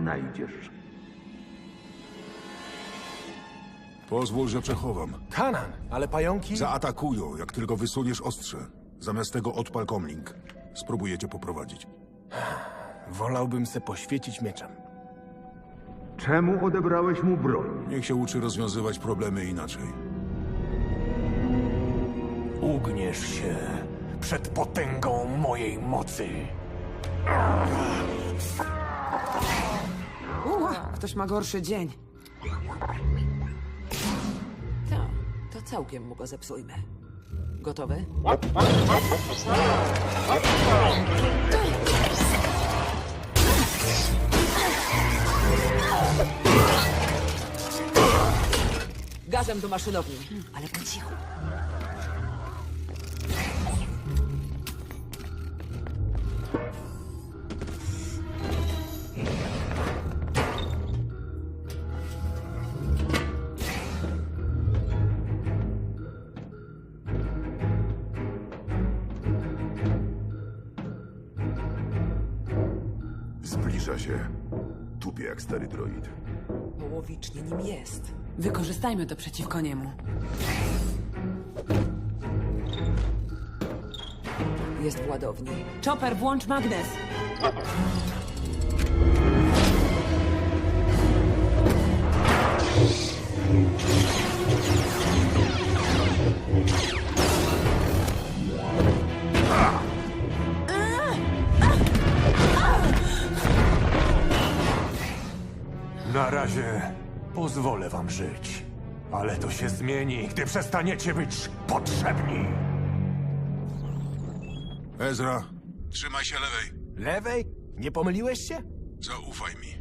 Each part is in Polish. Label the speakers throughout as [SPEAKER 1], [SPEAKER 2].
[SPEAKER 1] wynajdziesz.
[SPEAKER 2] Pozwól, że przechowam.
[SPEAKER 3] Kanan, ale pająki...
[SPEAKER 2] Zaatakują, jak tylko wysuniesz ostrze. Zamiast tego odpal komlink. Spróbuję cię poprowadzić.
[SPEAKER 3] Wolałbym se poświecić mieczem.
[SPEAKER 1] Czemu odebrałeś mu broń?
[SPEAKER 2] Niech się uczy rozwiązywać problemy inaczej.
[SPEAKER 3] Ugniesz się przed potęgą mojej mocy.
[SPEAKER 4] Ktoś ma gorszy dzień.
[SPEAKER 5] To całkiem mu go zepsujmy. Gotowy? Gazem do maszynowni, ale po cichu.
[SPEAKER 6] Zbliża się. Tupie jak stary droid.
[SPEAKER 5] Połowicznie nim jest.
[SPEAKER 4] Wykorzystajmy to przeciwko niemu.
[SPEAKER 5] Jest w ładowni.
[SPEAKER 4] Chopper, włącz magnes!
[SPEAKER 3] Na razie pozwolę wam żyć. Ale to się zmieni, gdy przestaniecie być potrzebni.
[SPEAKER 2] Ezra, trzymaj się lewej.
[SPEAKER 3] Lewej? Nie pomyliłeś się?
[SPEAKER 2] Zaufaj mi.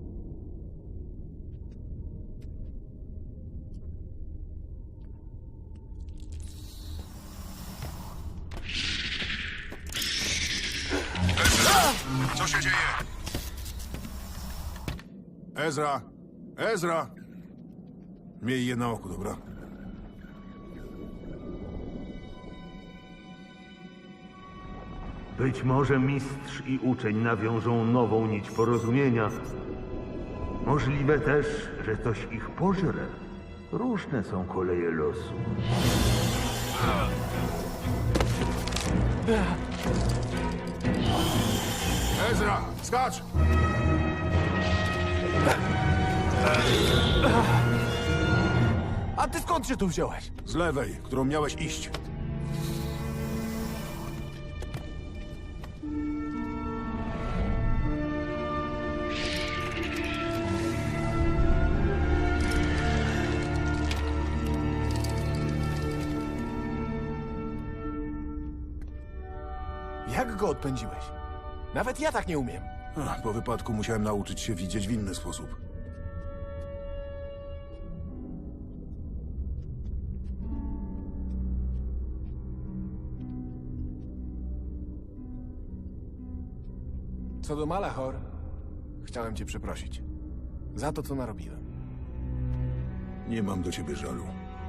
[SPEAKER 2] Ezra! Co się dzieje? Ezra! Ezra! Miej je na oku, dobra?
[SPEAKER 1] Być może mistrz i uczeń nawiążą nową nić porozumienia. Możliwe też, że coś ich pożre. Różne są koleje losu.
[SPEAKER 2] Ezra, skacz!
[SPEAKER 3] A ty skąd się tu wziąłeś?
[SPEAKER 2] Z lewej, którą miałeś iść.
[SPEAKER 3] Jak go odpędziłeś? Nawet ja tak nie umiem.
[SPEAKER 2] Po wypadku musiałem nauczyć się widzieć w inny sposób.
[SPEAKER 3] Co do Malachor, chciałem cię przeprosić. Za to, co narobiłem.
[SPEAKER 2] Nie mam do ciebie żalu.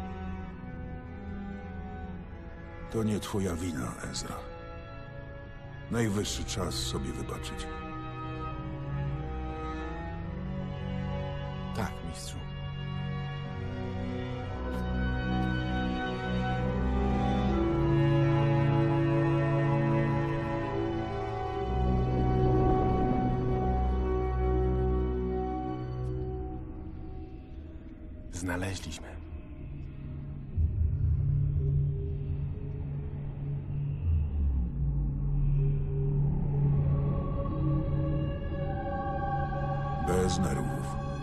[SPEAKER 2] To nie twoja wina, Ezra. Najwyższy czas sobie wybaczyć.
[SPEAKER 3] Tak, mistrzu. Znaleźliśmy.
[SPEAKER 2] Bez nerwów.